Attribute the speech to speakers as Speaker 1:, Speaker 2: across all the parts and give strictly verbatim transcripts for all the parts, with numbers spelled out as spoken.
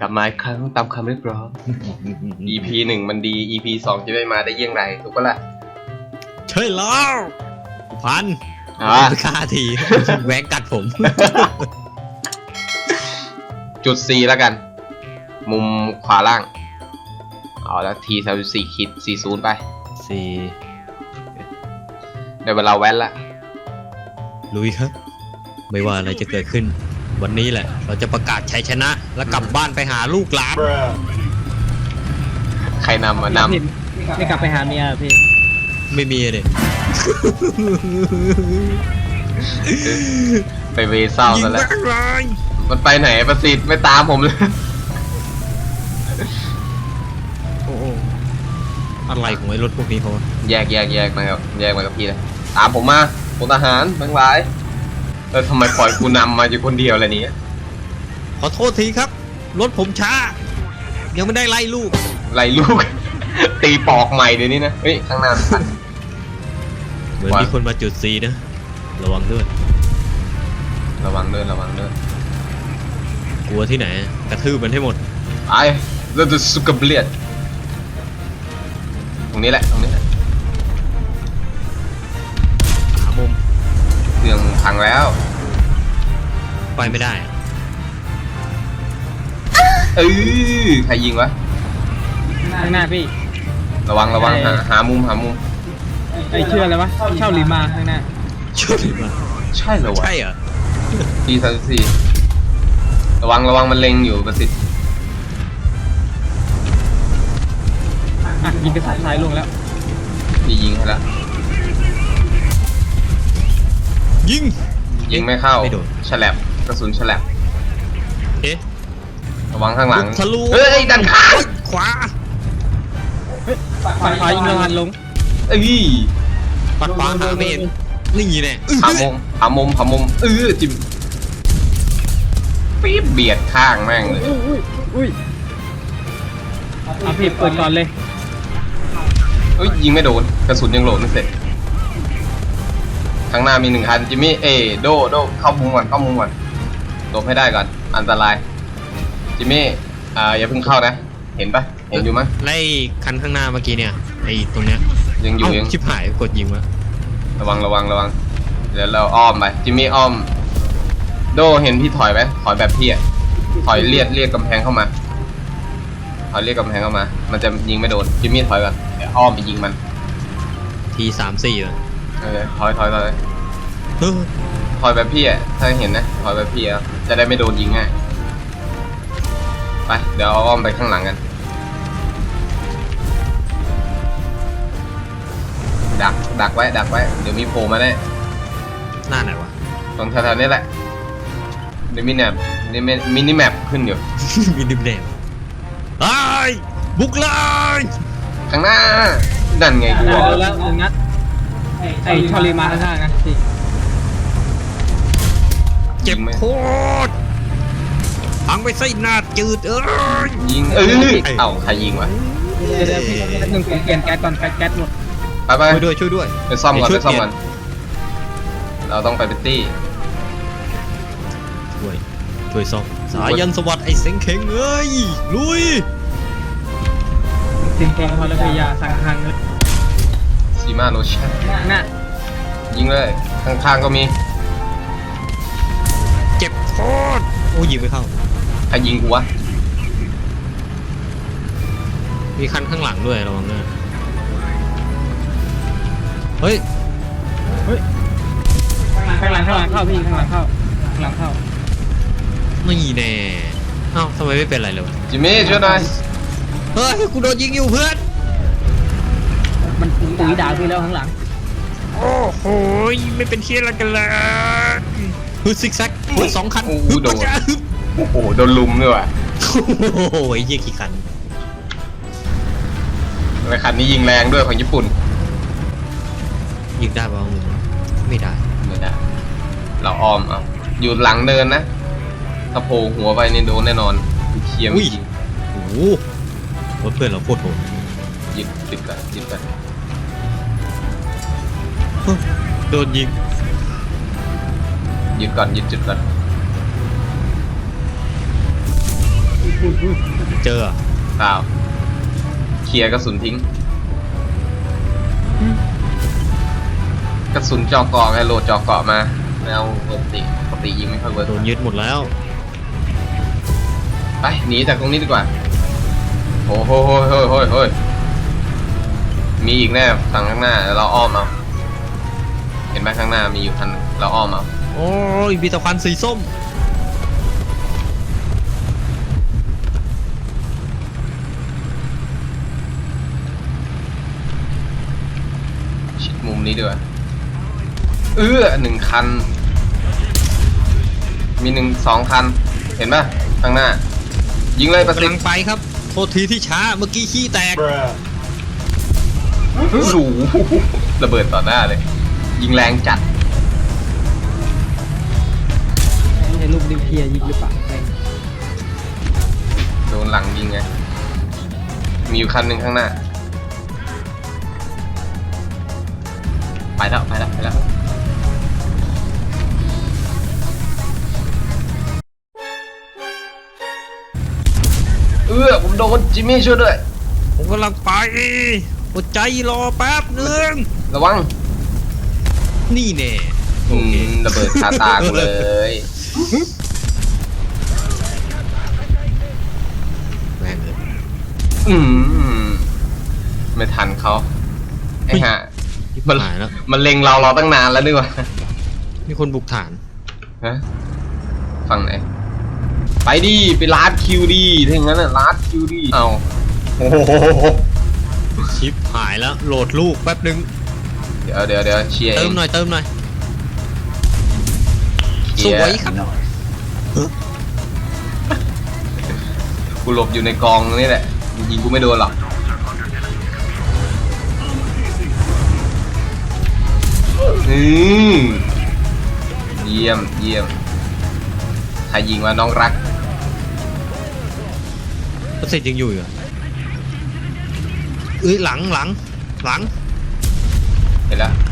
Speaker 1: ลับมาอีกครั้งตามคำเรียกร้อง อี พี หนึ่งมันดี อี พี สองจะได้มาได้เยี่ยงไรถูกปะล่ะ
Speaker 2: ใช่แล้วพันอ่าค่าทีแหวงกัดผม
Speaker 1: จุด C แล้วกัน มุมขวาล่างเอาแล้วทีสามสิบสี่ขีดสี่ศูนย์ไป
Speaker 2: สี่
Speaker 1: ได้เวลาแว้นละ
Speaker 2: ลุยครับไม่ว่าอะไรจะเกิดขึ้นวันนี้แหละเราจะประกาศชัยชนะแล้วกลับบ้านไปหาลูกหลาน
Speaker 1: ใครนำมานำ
Speaker 3: ไม่กลับไปหาเมียพี่
Speaker 2: ไม่มีเลย
Speaker 1: ไปเวเศร้าซะแล้วมันไปไหนประสิทธิ์ไม่ตามผมเลย
Speaker 2: โอ้อะไรของไอ้รถพวกนี้เขา
Speaker 1: แยกแยกแยกมาครับแยกมากับพี่เลยตามผมมาพลทหารทั้งหลายแล้วทำไมปล่อยกูนำมาอยู่คนเดียวอะไรนี้
Speaker 2: ขอโทษทีครับรถผมช้ายังไม่ได้ไล่ลูก
Speaker 1: ไล่ลูก ตีปอกใหม่เดี๋ยวนี้นะเฮ้ยข้างหน้า
Speaker 2: เหมือนมีคนมาจุดซีนะระวังด้วย
Speaker 1: ระวังด้วยระวังด้วย
Speaker 2: กลัวที่ไหนกระทืบมันให้หมด
Speaker 1: ไอ้เราจะสุกเบียดตรงนี้แหละตรงนี้แหละ
Speaker 2: หามุม
Speaker 1: เครื่องพังแล้ว
Speaker 2: ไปไม่ได้
Speaker 1: เออใครยิงวะ
Speaker 3: ข้างหน้าพี่
Speaker 1: ระวังระวังหาหามุมหามุม
Speaker 3: ไอเชื่ออะไรวะเช่าลิมาข้างหน้า
Speaker 2: เช่าลิมา
Speaker 1: ใช่เหรอวะ
Speaker 2: ใช่เหรอ
Speaker 1: ทีสามสิบสี่ระวังระวังมันเล็งอยู่ประสิทธิ์
Speaker 3: อ่ะยิงกระสุนท้ายลงแล้ว
Speaker 1: พี่ยิงให้แล้ว
Speaker 2: ยิง
Speaker 1: ยิงไม่เข้าฉลับกระสุนฉลับ
Speaker 2: เอ๊ะ
Speaker 1: ระวังข้างหลัง
Speaker 2: ทะลุ
Speaker 1: เฮ้ยดันขา
Speaker 2: ขวา
Speaker 3: ปัดขวายิงระหันลง
Speaker 1: เอ้ย
Speaker 2: ปัดขวาหาไม่เห็นนี่แน่
Speaker 1: หามุมหามุมหามุมเออจิ้มปี๊บเบียดข้างแม่งเลย
Speaker 3: อุ้ยอุ้ยเอาพี่เปิดก่อนเลย
Speaker 1: เฮ้ยยิงไม่โดนกระสุนยังโหลดไม่เสร็จข้างหน้ามีหนึ่งคันจิมมี่เอโดโดเข้ามุมก่อนเข้ามุมก่อนหลบให้ได้ก่อนอันตรายจิมมี่อ่าอย่าเพิ่งเข้านะเห็นปะเห็นอยู่มั้ย
Speaker 2: ไล่คันข้างหน้าเมื่อกี้เนี่ยไอ้ตรงเนี้ย
Speaker 1: ยังอยู่ยัง
Speaker 2: ชิบหายกดยิงวะ
Speaker 1: ระวังระวังระวังเดี๋ยวเราอ้อมไปจิมมี่อ้อมโดเห็นพี่ถอยไหมถอยแบบพี่อ่ะถอยเลียดเลียดกำแพงเข้ามาถอยเลียดกำแพงเข้ามามันจะยิงไม่โดนจิมมี่ถอยก่อนเดี๋ยวอ้อมไปยิงมัน
Speaker 2: ทีสามสี่เลย
Speaker 1: เออถอยถอยถอยถอยแบบพี่อ่ะถ้าเห็นนะถอยแบบพี่อ่ะจะได้ไม่โดนยิงง่ายไปเดี๋ยวเอาอ้อมไปข้างหลังกันดักดักไว้ดักไว้เดี๋ยวมีโผล่มาแน่
Speaker 2: หน้าไหนวะ
Speaker 1: ตรงแถวๆนี้แหละเดี๋ยวมินิแมปมินิแมปขึ้นอยู่
Speaker 2: มินิแมปไอ้บุกเลย
Speaker 1: ข้างหน้านั่นไงกูบอก
Speaker 3: แล้วหนึ่งนัดไอ้ชอลีมาข้างหน้านะสิ
Speaker 2: เจ็บโคตรพังไปไส้หน้าจืดเอ้ย
Speaker 1: ยิงเอ้ยเอ้าใครยิงวะ
Speaker 3: เดี๋ยวพี่หนึ่งเปลี่ยนแก๊สก่อนแก๊สหมด
Speaker 1: ไปไป
Speaker 2: ช่วยด้วยช่วยด้วย
Speaker 1: ไปซ่อมก่อนไปซ่อมก่อนเราต้องไปเป็นตี้
Speaker 2: ช่วยช่วยซ่อมสายันสวัสดิ์ไอ้เซ็งเข่งเอ้ยลุย
Speaker 3: เซ็งเข่งพอแล้วพยาสั่งทางเลย
Speaker 1: ซีมาโรชั่น
Speaker 3: น่ะ
Speaker 1: ยิงเลยข้างๆก็มี
Speaker 2: เจ็บโคตรโอ้ยิงไม่เข้า
Speaker 1: ใครยิงกูวะ
Speaker 2: มีคันข้างหลังด้วยระวังด้วยเฮ้ย
Speaker 3: เฮ้ยข้างหลังข้างหลังเข้าพี่ข้างหลังเข้าข้างหลังเข้า
Speaker 2: ไม่แน่เอ้าทำไมไม่เป็นไรเลยวะ
Speaker 1: จิมมี่ช่วยหน่อย
Speaker 2: เฮ้ยกูโดนยิงอยู่เพื่อน
Speaker 3: มันตุ๋ยด่าพี่แล้วข้างหลัง
Speaker 2: โอ้โหไม่เป็นเชี่ยอะไรกันเลยฮึดซิกแซกฮึดสองคัน
Speaker 1: โอ้โหโดนโอ้โหโดนลุมด้วยว่ะ
Speaker 2: โอ้โหเยี่ยกี่คัน
Speaker 1: แล้วคันนี้ยิงแรงด้วยของญี่ปุ่น
Speaker 2: ยิงได้ป่าวมึงไม่ได้
Speaker 1: ไม่ได้เราออมเอาอยู่หลังเดินนะถ้าโผล่หัวไปนี่โดนแน่นอนเคียม
Speaker 2: ยิงโอ้โหเพื่อนเราโคตรโหด
Speaker 1: ยิงติดกันยิงกัน
Speaker 2: โดนยิง
Speaker 1: ยึดก่อนยึดจุดก่อน
Speaker 2: เจอเหรอ
Speaker 1: เปล่าเคลียร์กระสุนทิ้ง กระสุนเจาะเกาะไงโหลดเจาะเกาะมาไม่เอาปกติปกติยิงไม่ค่อยเวิร์ก
Speaker 2: โดนยึดหมดแล้ว
Speaker 1: ไปหนีจากตรงนี้ดีกว่าโอ้โหโหโหโหโหมีอีกแน่ฝั่งข้างหน้าแล้วเราอ้อมเอาเห็นไหมข้างหน้ามีอยู่คันเราอ้อมเอา
Speaker 2: โอ้ยมีแตะควันสีส้ม
Speaker 1: ชิดมุมนี้ด้วยเอื้อหนึ่งคัน มีหนึ่งสองคัน เห็นไหมข้างหน้า ยิงเลยประสิท
Speaker 2: กำลัง
Speaker 1: ธิ์
Speaker 2: ไปครับ โทษทีที่ช้า เมื่อกี้ขี้แตก
Speaker 1: สูระเบิดต่อหน้าเลย ยิงแรงจัด
Speaker 3: ไม่ใช่ลูกนิวเคลียร์ยิงหรือเปล่าแม่ง
Speaker 1: โดนหลังยิงไง มีอยู่คันหนึ่งข้างหน้า ไปแล้วไปแล้วไปแล้วเออผมโดนจิมมี่ช่วยด้วย
Speaker 2: ผมกำลังไปอดใจรอแป๊บหนึง
Speaker 1: ระวัง
Speaker 2: นี่แน่
Speaker 1: อืมระเบิดคาตากูเลย
Speaker 2: แม่งเลย
Speaker 1: อืมไม่ทันเขาไอ้ห่า
Speaker 2: มันหายแล้ว
Speaker 1: มันเล็งเราเราตั้งนานแล้วนี่หว่า
Speaker 2: มีคนบุกฐาน
Speaker 1: ฮะฝั่งไหน ไปดิไปลาดคิวดิถ้าอย่างนั้นน่ะลาดคิวดิเอาโอ้โห
Speaker 2: ชิปหายแล้ว โหลดลูกแป๊บหนึง
Speaker 1: เดี๋ยวเดี๋ยวเดี๋ยวเชียร์เอ
Speaker 2: เติม
Speaker 1: ง
Speaker 2: หน่อยเติมหน่อย
Speaker 1: เค
Speaker 2: ส
Speaker 1: ลียร์
Speaker 2: วยครับ
Speaker 1: กูหลบอยู่ในกองนี่แหละยิงกูไม่โดนหรอกอืมเยี่ยมเยี่ยมใครยิงวะน้องรัก
Speaker 2: ประสิทธิ์ยังอยู่อีกเหรอเอ้ยหลังหลังหลัง
Speaker 1: เห็นแล้ว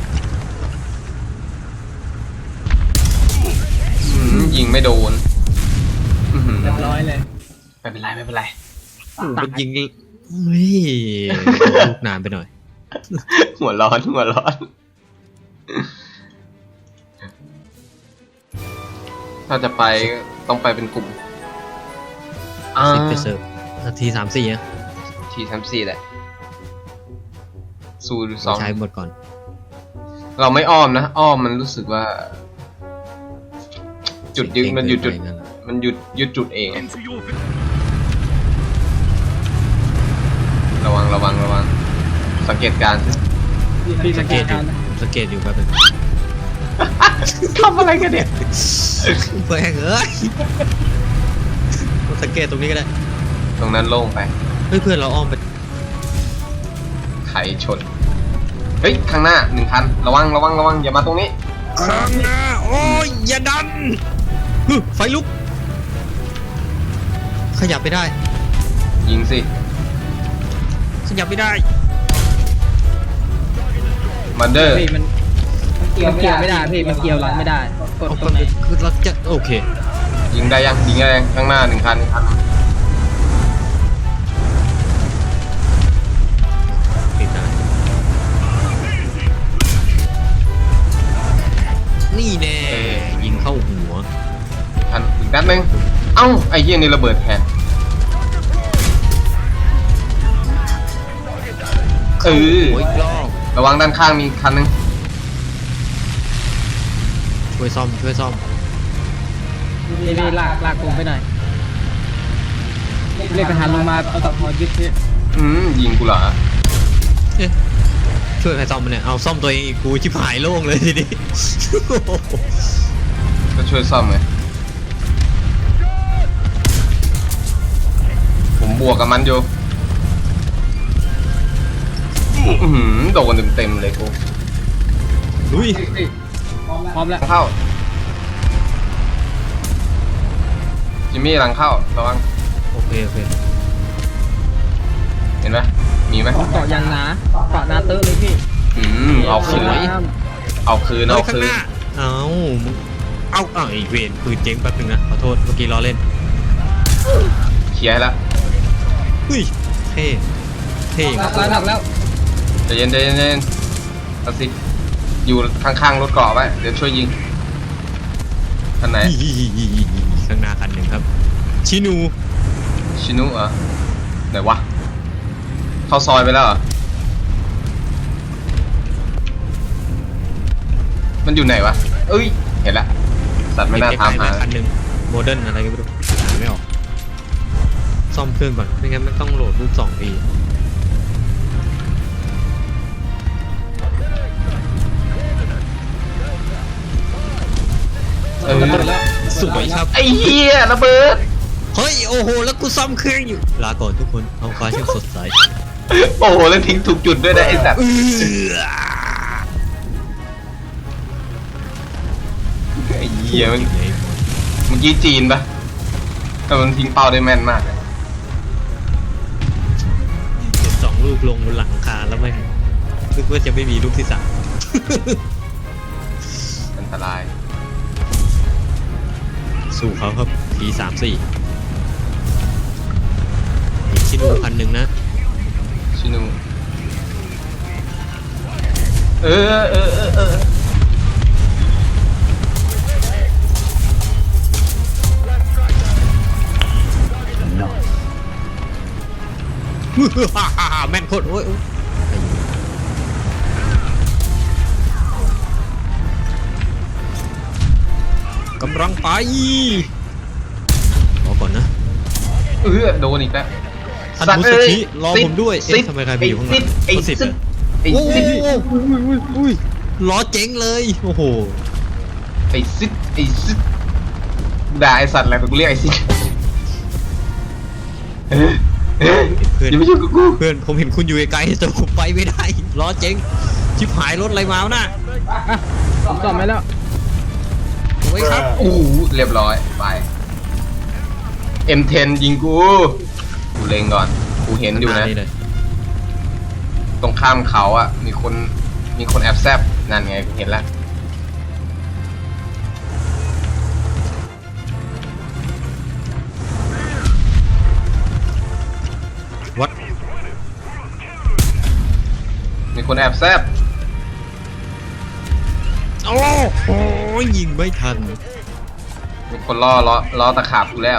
Speaker 1: อืมยิงไม่โดนอื้อหือ
Speaker 3: เรียบร้อยเลย
Speaker 1: ไม่เป็นไรไม่เป็นไร
Speaker 2: โอ้โหมันยิงเฮ้ยลูกนานไปหน่อย
Speaker 1: หัวร้อนหัวร้อน ถ้าจะไปต้องไปเป็นกลุ่มอ่า
Speaker 2: สิบไปเสิร์ฟนาทีสามสี่อะ
Speaker 1: ทีสามสี่แหละสูสอง
Speaker 2: ใช้หมดก่อน
Speaker 1: เราไม่อ้อมนะ อ้อมมันรู้สึกว่า จุดยึดมันหยุดจุด มันหยุดยึดจุดเองอะระวังระวังระวัง สังเกตการณ์สิ
Speaker 3: พี่
Speaker 2: สั
Speaker 3: สั
Speaker 2: ง
Speaker 3: ง
Speaker 2: เก
Speaker 3: เก
Speaker 2: ต
Speaker 3: ต
Speaker 2: อยู่
Speaker 3: การณ์นะ
Speaker 2: สังเกตอยู่แป๊บนึง
Speaker 1: ทำอะไรกันเนี่ย
Speaker 2: แม่งเอ้ยสังเกตตรงนี้ก็ได้
Speaker 1: ตรงนั้นโล่งไป
Speaker 2: เฮ้ยเพื่อนเราอ้อมไป
Speaker 1: ไขชน เฮ้ย ข้างหน้าหนึ่งคัน ระวังระวังระวังอย่ามาตรงนี้
Speaker 2: ข้างหน้าโอ้ยอย่าดันฮึไฟลุก ขยับไม่ได้
Speaker 1: ยิงสิ
Speaker 2: ขยับไม่ได้
Speaker 1: มันเดอร์
Speaker 3: พี่มันมันเกี่ยวไม่ได้พี่มันเกี่ยวหลังไม่ได้กด
Speaker 2: เอา
Speaker 3: ตรงไหน
Speaker 2: คือเราจะโอเค
Speaker 1: ยิงได้ยังยิงได้ยังข้างหน้าหนึ่งคันหนึ่งคัน
Speaker 2: ติดได้นี่แน่ยิงเข้าหัว
Speaker 1: คันอีกนัดหนึ่งเอ้าไอ้เหี้ยนี่ระเบิดแทนเออ
Speaker 2: โอ้ยรอบ
Speaker 1: ระวังด้านข้างมีคันหนึง
Speaker 2: ช่วยซ่อมช่วยซ่อม
Speaker 3: พี่พี่ลากลากผมไปหน่อยเรียกทหารลงมาเอาตะพอยึดพี่
Speaker 1: อืมยิงกูเหรอ
Speaker 2: เอ๊ะช่วยใครซ่อมมันเนี่ยเอาซ่อมตัวเองอีกกูชิบหายโล่งเลยทีนี้
Speaker 1: ก็ช่วยซ่อมไงผมบวกกับมันอยู่อื้อหือโดนเต็มๆเลยกู
Speaker 2: ลุย
Speaker 3: พร้อมแล้ว
Speaker 1: เข้าจิมมี่หลังเข้าระวัง
Speaker 2: โอเคโอเค
Speaker 1: เห็นไหมมีไหม
Speaker 3: เกาะยางหนาเกาะหนาเตอร์เลยพี่
Speaker 1: อืมเอาคืนเอาคืน
Speaker 2: เฮ้
Speaker 1: เอา
Speaker 2: ยข้าง
Speaker 1: คื
Speaker 2: ห
Speaker 1: น
Speaker 2: น้าเอามึงเอาเอาไอ้เวนปืนเจ๊งแป๊บนึงนะขอโทษเมื่อกี้ล้อเล่น
Speaker 1: ชเคลียร์ให้แล้ว
Speaker 2: เฮ้ยเท่เท่
Speaker 3: หลักแล้วหลักแล้ว
Speaker 1: ใจเย็นใจเย็นใจเย็นเอาสิอยู่ข้างๆรถเกาะไว้เดี๋ยวช่วยยิงคันไหน
Speaker 2: ข้างหน้าคันหนึ่งครับ ชินู
Speaker 1: ชินุเหรอไหนวะเข้าซอยไปแล้วเหรอมันอยู่ไหนวะเอ้ยเห็นละสัตว์ไม่น่า
Speaker 2: เอฟ
Speaker 1: ทำ
Speaker 2: ไอ
Speaker 1: หา
Speaker 2: คันหนึ่งโมเดิร์นอะไรก็ไม่รู้หาไม่ออกซ่อมเครื่องก่อนไม่งั้นมันต้องโหลดรูปสองที
Speaker 1: เออ
Speaker 2: สวยครับ
Speaker 1: ไอ้เหี้ยระเบิด
Speaker 2: เฮ้ยโอ้โหแล้วกูซ่อมเครื่องอยู่ลาก่อนทุกคนท้องฟ้าช่างสดใส
Speaker 1: โอ้โหแล้วทิ้งถูกจุดด้วยนะไอ้สัตว์
Speaker 2: เออ
Speaker 1: ไอ้เหี้ยมันเมื่อกี้จีนปะแต่มันทิ้งเป้าได้แม่นมากเลย
Speaker 2: เห็นสองลูกลงบนหลังคาแล้วไม่นึกว่าจะไม่มีลูกที่สาม
Speaker 1: อันตราย
Speaker 2: สู้เขาครับทีสามสี่ชินูพันหนึ่งนะ
Speaker 1: ชินุเออเออเออเออ
Speaker 2: แม่นโคตรโอ้ยโอ้ยกำลังไปรอก่อนนะ
Speaker 1: เออโดนอีกแล้ว
Speaker 2: ท่านมุสชิรอผมด้วยเอ๊ะทำไมใครไปอยู่ข้างหลัง
Speaker 1: ไอ้
Speaker 2: เขาสิ
Speaker 1: ซิ
Speaker 2: บ
Speaker 1: ด
Speaker 2: เหรอ
Speaker 1: ไอ้
Speaker 2: โอ้
Speaker 1: ซิด
Speaker 2: โหล้อเจ๊งเลยโอ้โห
Speaker 1: ไอ้ซิดไอ้ซิดด่าไอ้สัตว์อะไรกูเรียกไอ้ซิดเฮ้ยเฮ้ย
Speaker 2: เพื่อน
Speaker 1: อย่ามายุ่งกับกู
Speaker 2: เพื่อนผมเห็นคุณอยู่ไกลๆแต่ผมไปไม่ได้ล้อเจ๊งชิบหายรถอะไรมาวะน่ะ
Speaker 3: อ่ะผมซ่อมไปแล้ว
Speaker 2: เอาไว้ครับ
Speaker 1: โอ้โหเรียบร้อยไป เอ็ม เท็น ยิงกูกูเล็งก่อนกูเห็นอยู่นะ
Speaker 2: เลย
Speaker 1: ตรงข้ามเขาอ่ะมีคนมีคนแอบแซบนั่นไงกูเห็นแล้ว
Speaker 2: วัด
Speaker 1: มีคนแอบแซบ
Speaker 2: โอ้โหยิงไม่ทัน
Speaker 1: มีคนล่อล้อล้อตะขาบกูแล้ว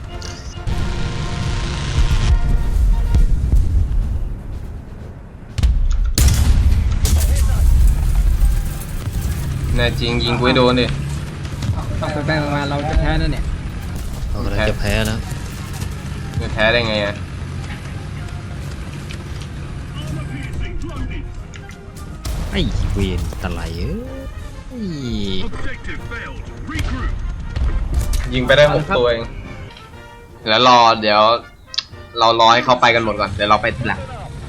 Speaker 1: แน่จริงยิงกูให้โดนดิ
Speaker 3: ต้องไปแบ่งมาเราจะแพ้นั่นเนี่ย
Speaker 2: เรากำลังจะแพ้แล้ว
Speaker 1: จะแพ้ได้ไงอ่ะ
Speaker 2: ไอ้เวนตะไลเอ้ย
Speaker 1: ยิงไปได้หกตัวเองแล้วรอเดี๋ยว เรารอให้เขาไปกันหมดก่อนเดี๋ยวเราไปทีหลัง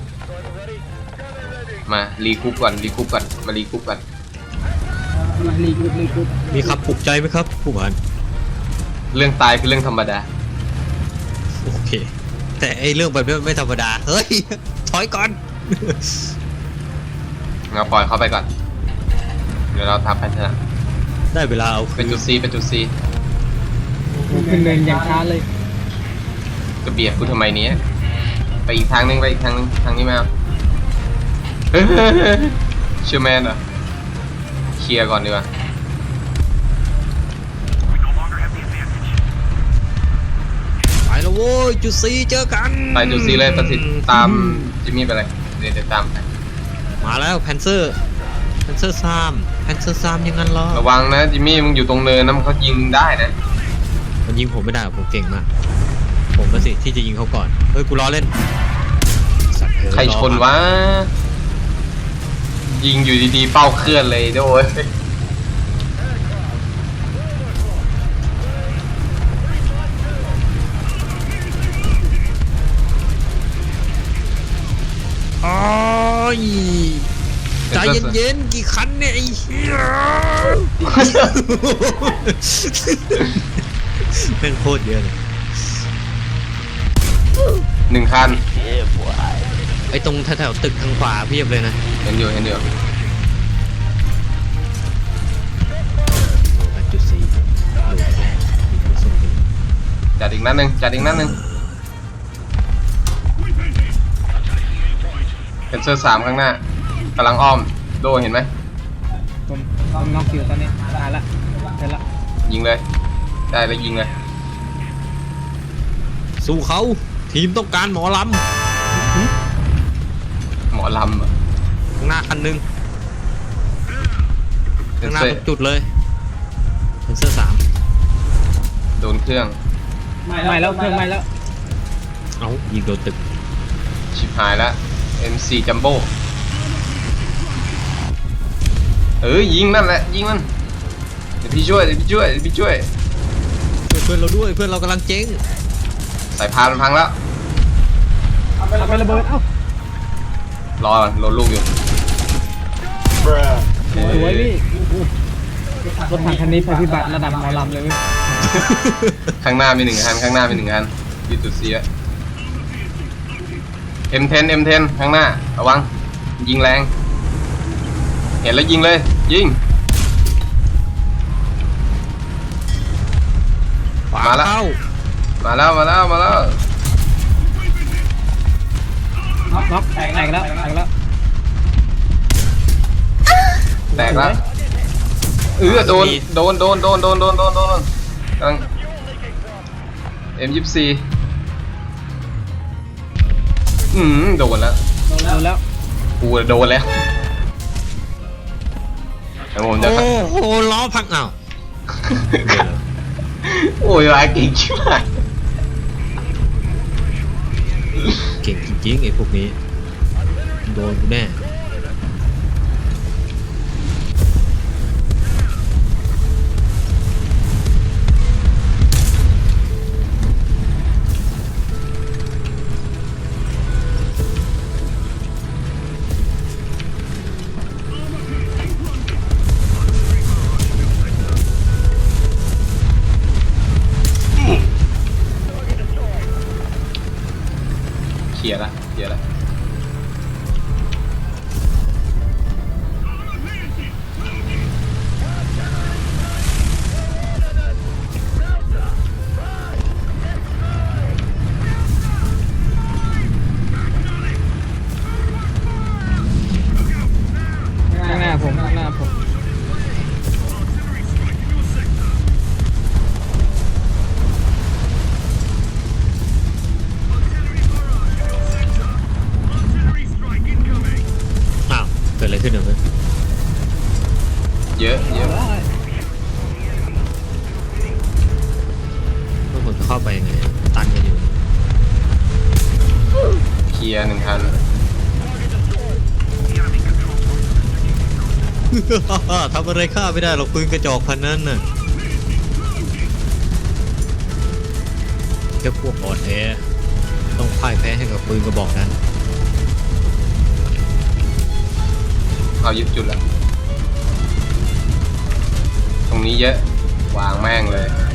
Speaker 1: มารีคูปก่อนรีคูปก่อนมารีคูปก่อน
Speaker 3: มาลีกุดลีกุด
Speaker 2: มีคำปลุกใจไหมครับผู้พัน
Speaker 1: เรื่องตายคือเรื่องธรรมดา
Speaker 2: โอเค แต่ไอเรื่องแบบนี้มันไม่ธรรมดาเฮ้ยถอยก่อน
Speaker 1: เราปล่อยเขาไปก่อนเดี๋ยวเราทำแพนชนะ
Speaker 2: ได้เวลาเอา
Speaker 1: เป็นจุดซีเป็นจุดซี
Speaker 3: ขึ้นเนินอย่างช้าเลย
Speaker 1: จะเบียดกูทำไมเนี้ยไปอีกทางนึงไปอีกทางนึงทางนี้มาเฮ้ยเชื่อแมนเหรอเคลียร์ก่อนดีกว่า
Speaker 2: ไปแล้วโว้ยจุดซีเจอกัน
Speaker 1: ไปจุดซีเลยประสิทธิ์ตามจิมมี่ไปเลยเดี๋ยวเดี๋ยวตามไป
Speaker 2: มาแล้วแพนเซอร์แพนเซอร์ซามแพนเซอร์ซามยังงั้นเหรอ
Speaker 1: ระวังนะจิมมี่มึงอยู่ตรงเนินนะมันเขายิงได้นะ
Speaker 2: มันยิงผมไม่ได้ผมเก่งมากผมก็สิที่จะยิงเขาก่อนเฮ้ยกูล้อเล่นสัตว์เอ้ย
Speaker 1: ใครชนวะยิงอยู่ดีๆเป้าเคลื่อนเลยโด้วย
Speaker 2: โอ้ยใจเย็นๆกี่คันเนี่ยไอ้เหี้ย แม่งโคตรเยอะเลย
Speaker 1: หนึ่งคัน
Speaker 2: ไอ้ตรงแถวๆตึกทางขวาเพียบเลยนะ
Speaker 1: เห็นอยู่เห็นอยู่
Speaker 2: จุดสี่
Speaker 1: จัดอีกนัดหนึ่งจัดอีกนัดหนึ่งเป็นเซอร์สามข้างหน้ากำลังอ้อมโดเห็นไหม
Speaker 3: ผมผมน็อกอยู่ตอนนี้ตายละเสร็จละ
Speaker 1: ยิงเลยได้แล้วยิงเลย
Speaker 2: สู้เขาทีมต้องการหมอล
Speaker 1: หมอลำอะ
Speaker 2: ำข้างหน้าคันหนึง
Speaker 1: เป็
Speaker 2: ข้าน งหน้า
Speaker 1: เซ
Speaker 2: ตรงจุดเลยเป็นเสื้อสาม
Speaker 1: โดนเครื่อง
Speaker 3: ไม่แล้วเครื่องไม่แล้ว
Speaker 2: เอ้ายิงโดนตึก
Speaker 1: ชิบหายแล้ว เอ็ม โฟร์ จัมโบ้เออยิงนั่นแหละยิงมันเดี๋ยวพี่ช่วยเดี๋ยวพี่ช่วยเดี๋ยวพี่ช่วย
Speaker 2: ช่วยเพื่อนเราด้วยเพื่อนเรากำลังเจ๊ง
Speaker 1: สายพานมันพังแล้ว
Speaker 3: เอาไประเบิดเอ้าร
Speaker 1: อก่อนรอลูกอยู่
Speaker 3: สวยพี่รถถังคันนี้ภัยพิบัติระดับหมอลำเลยเว้ย
Speaker 1: ข้างหน้ามีหนึ่งคันข้างหน้ามีหนึ่งคันยึดจุดเสีย เอ็ม เท็น เอ็ม เท็น ข้างหน้าระวังยิงแรง เห็นแล้วยิงเลยยิง
Speaker 2: ขวา
Speaker 1: มาแล้ว
Speaker 2: เข้า
Speaker 1: มาแล้วมาแล้วมาแล้ว
Speaker 3: น็อกแตกแล้วแตกแล้ว
Speaker 1: แตกแล้วเออโดนโดนโดนโดนโดนโดนโดนโดนกำลัง เอ็ม ยี่สิบสี่ อืมโดนแล้ว
Speaker 3: โดนแล้ว
Speaker 1: กูโดนแล้วแต่ผมจะ
Speaker 2: โอ้โหล้อพังอ้าว
Speaker 1: โอ้ยร้ายเก่งชิบหาย
Speaker 2: เก่งจริงๆไอ้พวกนี้โดนกูแน่
Speaker 1: เคลียร์ละเคลียร์ละ
Speaker 3: ข้างหน้าผมข้างหน้าผม
Speaker 2: อ้าวเกิดอะไรขึ้นเนี่ยเพื่อน
Speaker 1: เยอะเยอะ
Speaker 2: เพื่อนผมจะเข้าไปยังไงตันกันอยู่
Speaker 1: เคลียร์หนึ่งคัน
Speaker 2: ทำอะไรข้าไม่ได้หรอกปืนกระจอกพันนั้นน่ะแค่พวกอ่อนแอต้องพ่ายแพ้ให้กับปืนกระบอกนั้น
Speaker 1: เอายึดจุดแล้วตรงนี้เยอะวางแม่งเลย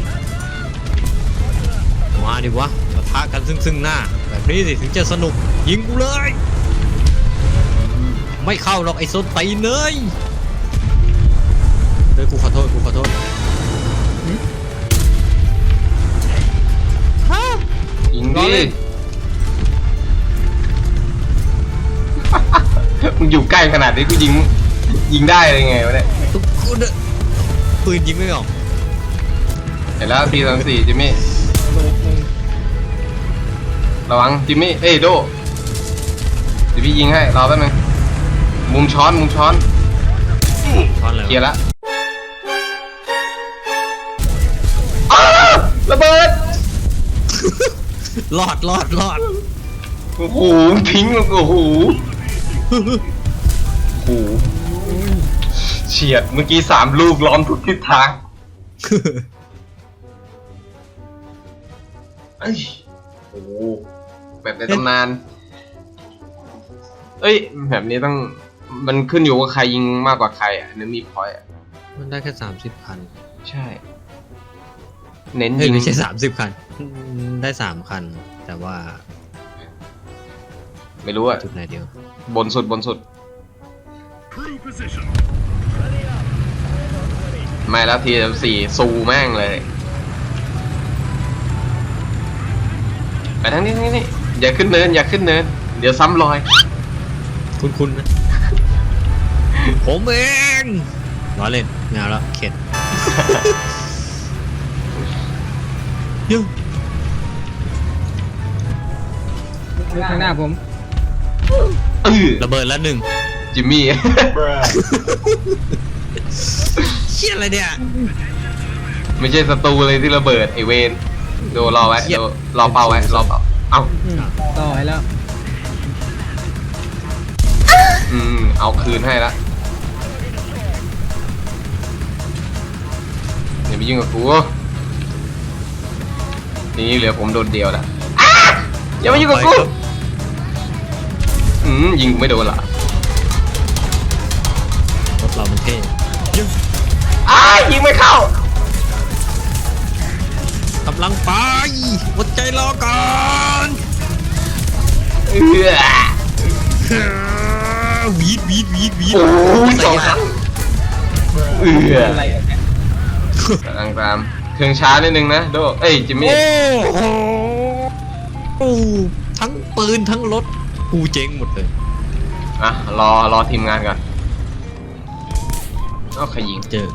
Speaker 2: มาดิวะปะทะกันซึ่งซึ่งหน้า แบบนี้สิถึงจะสนุกยิงกูเลย ไม่เข้าหรอกไอ้ส้นตีนเลยเฮ้ยกูขอโทษกูขอโทษ
Speaker 1: ยิง
Speaker 2: รอ
Speaker 1: ดิ
Speaker 2: เล่น
Speaker 1: มึงอยู่ใกล้ขนาดนี้กูยิงยิงได้เลยไงวะเนี่ย
Speaker 2: ตุ๊กกูเด้อปืนยิงไม่ออก
Speaker 1: เห็นแล้วทีสามสี่จิมมี่
Speaker 3: โดนหนึ่ง
Speaker 1: ระวังจิมมี่เอ้ยโดเดี๋ยวพี่ยิงให้รอแป๊บนึงมุมช้อนมุมช้อน
Speaker 2: ช้อนอะไร
Speaker 1: เคลียร์
Speaker 2: วะ
Speaker 1: ละอ้าระเบิด
Speaker 2: รอดรอดรอด
Speaker 1: โอ้โหทิ้งโอ้โหโอ้โหเฉียดเมื่อกี้สามลูกล้อมทุกทิศทางเอ้ยโอ้โหแบบในตำนาน เอ้ยแบบนี้ต้องมันขึ้นอยู่ว่าใครยิงมากกว่าใครอ่ะเนื้อมีพอยต์อ่ะ
Speaker 2: มันได้แค่สามสิบคัน
Speaker 1: ใช่ เน้น
Speaker 2: เฮ้ย
Speaker 1: ยิง
Speaker 2: ไม่ใช่สามสิบคันได้สามคัน แต่ว่า
Speaker 1: ไม่รู้อ่ะ
Speaker 2: จุดไหนเดียว
Speaker 1: บนสุดบนสุด ไม่แล้วทีสี่ซูแม่งเลย ไปทั้งนี้ทั้งนี้อย่าขึ้นเนินอย่าขึ้นเนิน เดี๋ยวซ้ำรอย
Speaker 2: คุณคุณนะ ผมเองล้อเล่นงานแล้วเข็ด เยัง
Speaker 3: ข้างหน้าผม
Speaker 1: เออ
Speaker 2: ระเบิดแล้วหนึ่ง
Speaker 1: จิมมี่
Speaker 2: เชี่ยอะไรเนี่ย
Speaker 1: ไม่ใช่ศัตรูเลยที่ระเบิดไอเวนดูรอไว้
Speaker 2: เหี้ย
Speaker 1: ดูรอเป้าไว้รอเป้าเอ้า
Speaker 3: อืมต่อให้แล้ว
Speaker 1: อืมเอาคืนให้ละอย่าไปยุ่งกับกูนี่เหลือผมโดนเดียวละอ้าอย่ามายุ่งกับกู
Speaker 2: ไปครับ
Speaker 1: อืมยิงกูไม่โดนเหรอ
Speaker 2: รถเรามันเท่เยัง
Speaker 1: อ้ายิงไม่เข้าก
Speaker 2: ำลังไปอดใจรอก่อน
Speaker 1: เออ
Speaker 2: วีดวีดวีดวีด
Speaker 1: โอ้ยสองครั้งเออ
Speaker 3: อะไรอ่ะเนี่ย
Speaker 1: กำลังตามเครื่องช้านิดนึงนะโดเอ้ยจิมมี่
Speaker 2: โอ้โหโอ้ทั้งปืนทั้งรถกูเจ๊งหมดเลย
Speaker 1: อ่ะรอรอทีมงานก่อนเอาใครยิง
Speaker 2: เจอ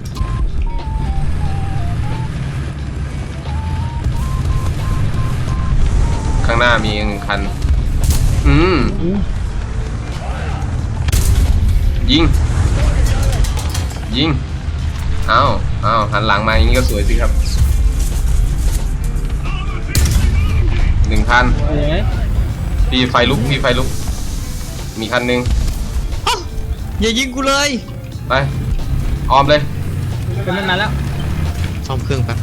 Speaker 1: ข้างหน้ามีอีกหนึ่งคัน อืม ยิง ยิงเอาเอาหันหลังมาอย่างนี้ก็สวยสิครับ หนึ่งคัน
Speaker 3: เอาอย่างไง
Speaker 1: พี่ไฟลุก พี่ไฟลุก มีคันหนึ่ง
Speaker 2: อ้าวอย่ายิงกูเลย
Speaker 1: ไป ออมเลย
Speaker 3: เป็นมันมาแล้ว
Speaker 2: ซ่อมเครื่องแป๊บ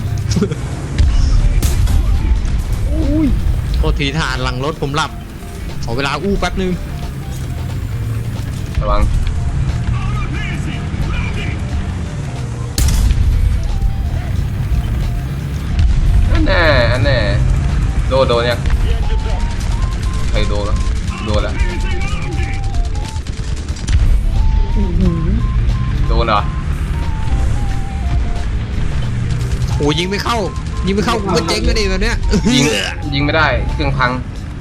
Speaker 3: อุ้ย
Speaker 2: โทษทีทหารหลังรถผมหลับ ขอเวลาอู้แป๊บนึง
Speaker 1: ระวัง อันแน่อันแน่โดนโดนเนี่ยใครโดนแล้วโดนแล้ว โดนเหรอ
Speaker 2: โอ้ยิงไม่เข้า ยิงไม่เข้ากูก็เจ๊งก็ดีแบบเนี้ย
Speaker 1: ยิงยิงไม่ได้เครื่องพัง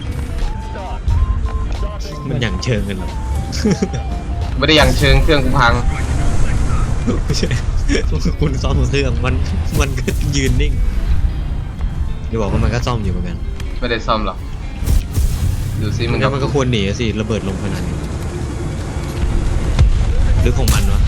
Speaker 2: มันอย่างเชิงกันเหรอ
Speaker 1: ไม่ได้อย่างเชิงเครื่องกูพัง
Speaker 2: ไม่ใช่คุณซ่อมเครื่องมันมันก็ยืนนิ่งอย่าบอกว่ามันก็ซ่อมอยู่เหมือนกัน
Speaker 1: ไม่ได้ซ่อมหรอกดูซิ
Speaker 2: มั
Speaker 1: มัน น
Speaker 2: ก็
Speaker 1: ก็
Speaker 2: มันก็ควรหนีสิระเบิดลงขนาดนี้หรือของมันวะ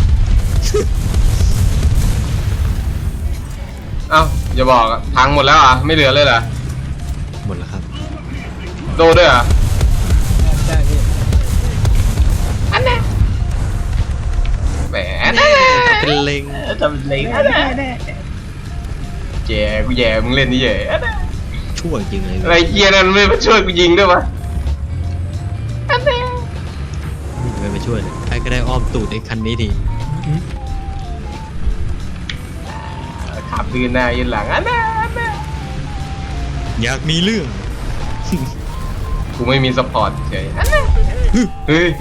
Speaker 1: เอ้าอย่าบอกอะพังหมดแล้วอ่ะไม่เหลือเลยเหรอ
Speaker 2: หมดแล้วครับ
Speaker 1: โดนด้วยเหรอ่ะ
Speaker 3: ใช่พี่
Speaker 1: อันแน่แหม
Speaker 2: แน่เป็นเล็ง
Speaker 1: ทำเล็งอันแน่แย่กูแย่มึงเล่นนี่แย่อันแน่
Speaker 2: ชั่วจริงเลย
Speaker 1: อะไรเกียร์นั่นไม่มาช่วยกูยิงด้วยวะอันแน่
Speaker 2: ไม่ไปช่วยเลยใครก็ได้อ้อมตูดไอ้คันนี้ที
Speaker 1: ขับดืนหน้ายืนหลังอันแน่อันแน่
Speaker 2: อยากมีเรื่อง
Speaker 1: กูไม่มีสปอร์ตเฉยอันแน่เฮ้ย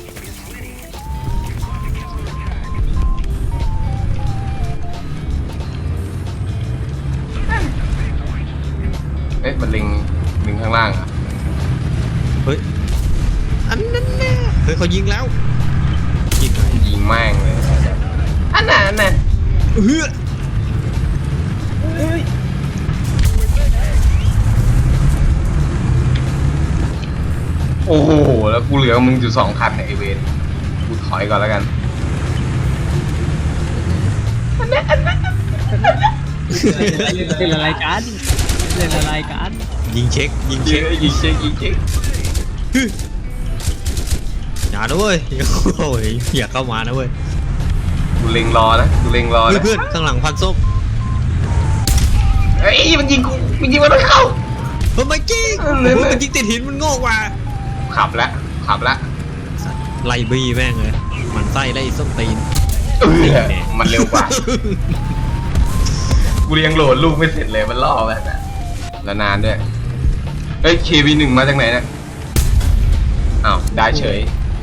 Speaker 1: เอ๊ะมันลิงลิงข้างล่างอ่ะ
Speaker 2: เฮ้ยอันนั้นแน่เฮ้ยเขายิงแล้วยิงไหน
Speaker 1: ยิงแม่งเลยอันน่ะอันน่ะ
Speaker 2: เฮ้ย
Speaker 3: เฮ้ย
Speaker 1: โอ้โหแล้วกูเหลือมึงอยู่สองคันเนี่ยไอเวนกูถอยก่อนแล้วกัน
Speaker 3: เล่นอะไรกันเล่นอะไรกัน
Speaker 2: ยิงเช็คยิง
Speaker 1: ยิ
Speaker 2: เช็
Speaker 1: ง
Speaker 2: ค
Speaker 1: ยิงเช็คยิงเช็ค
Speaker 2: อย่านะเว้ยโอ้ยอย่าเข้ามานะเว้ย
Speaker 1: กูเล็งรอนะกูเล็งรอ
Speaker 2: เฮ้ย
Speaker 1: นะ
Speaker 2: เพื่อนข้างหลังพันส้ม
Speaker 1: เอ้ยมันยิงกูมันยิงมันไม่เข้า
Speaker 2: เฮ้ยไม่จริง
Speaker 1: เออ
Speaker 2: เฮ้ยมันยิงติดหินมันโง่กว่า
Speaker 1: ขับแล้วขับแล้ว
Speaker 2: สัตว์ไล่บี้แม่งเลยมันไส้ไล่ส้มตีน
Speaker 1: เออมันเร็วกว่ากูยังโหลดลูกไม่เสร็จเลยมันล่อไปแต่แล้วนานด้วยเอ้ย เค วี หนึ่งมาจากไหนเนี่ยอ้าวได้เฉย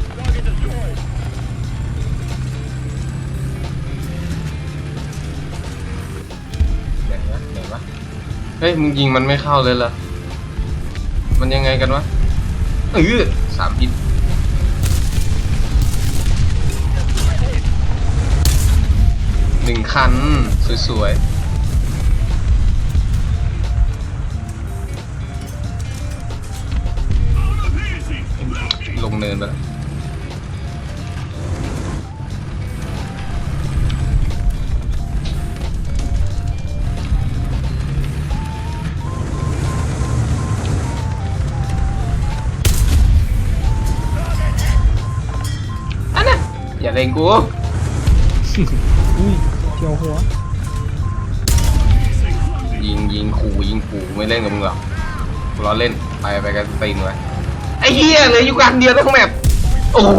Speaker 1: ไหนวะไหนวะเฮ้ยมึงยิงมันไม่เข้าเลยเหรอมันยังไงกันวะเออสามฮิตหนึ่งคัน สวยๆ ลงเนินไปแล้วอันน่ะอย่าเล่นกู
Speaker 3: อุ้ยเจียวหัว
Speaker 1: ยิงยิงขู่ยิงขู่ไม่เล่นกับมึงหรอกกูล้อเล่นไปไปกันตีนไว้ไอ้เหี้ยเหลยอยู่กันเดียวทั้งแมปโอ้โห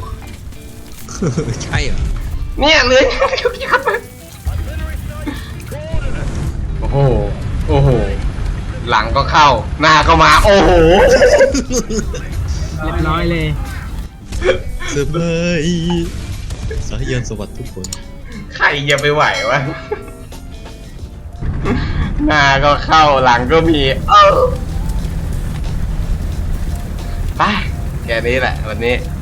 Speaker 2: ใช่เหรอ
Speaker 1: เนี่ยเหลยยัดไปโอ้โหโอ้โหหลังก็เข้าหน้าก็มาโอ้โห
Speaker 3: เรียบร้อยเลย
Speaker 2: เซอร์ไพรส์สายยันสวัสดิ์ทุกคน
Speaker 1: ใครจะไปไหววะหน้าก็เข้าหลังก็มีเออไปแค่นี้แหละวันนี้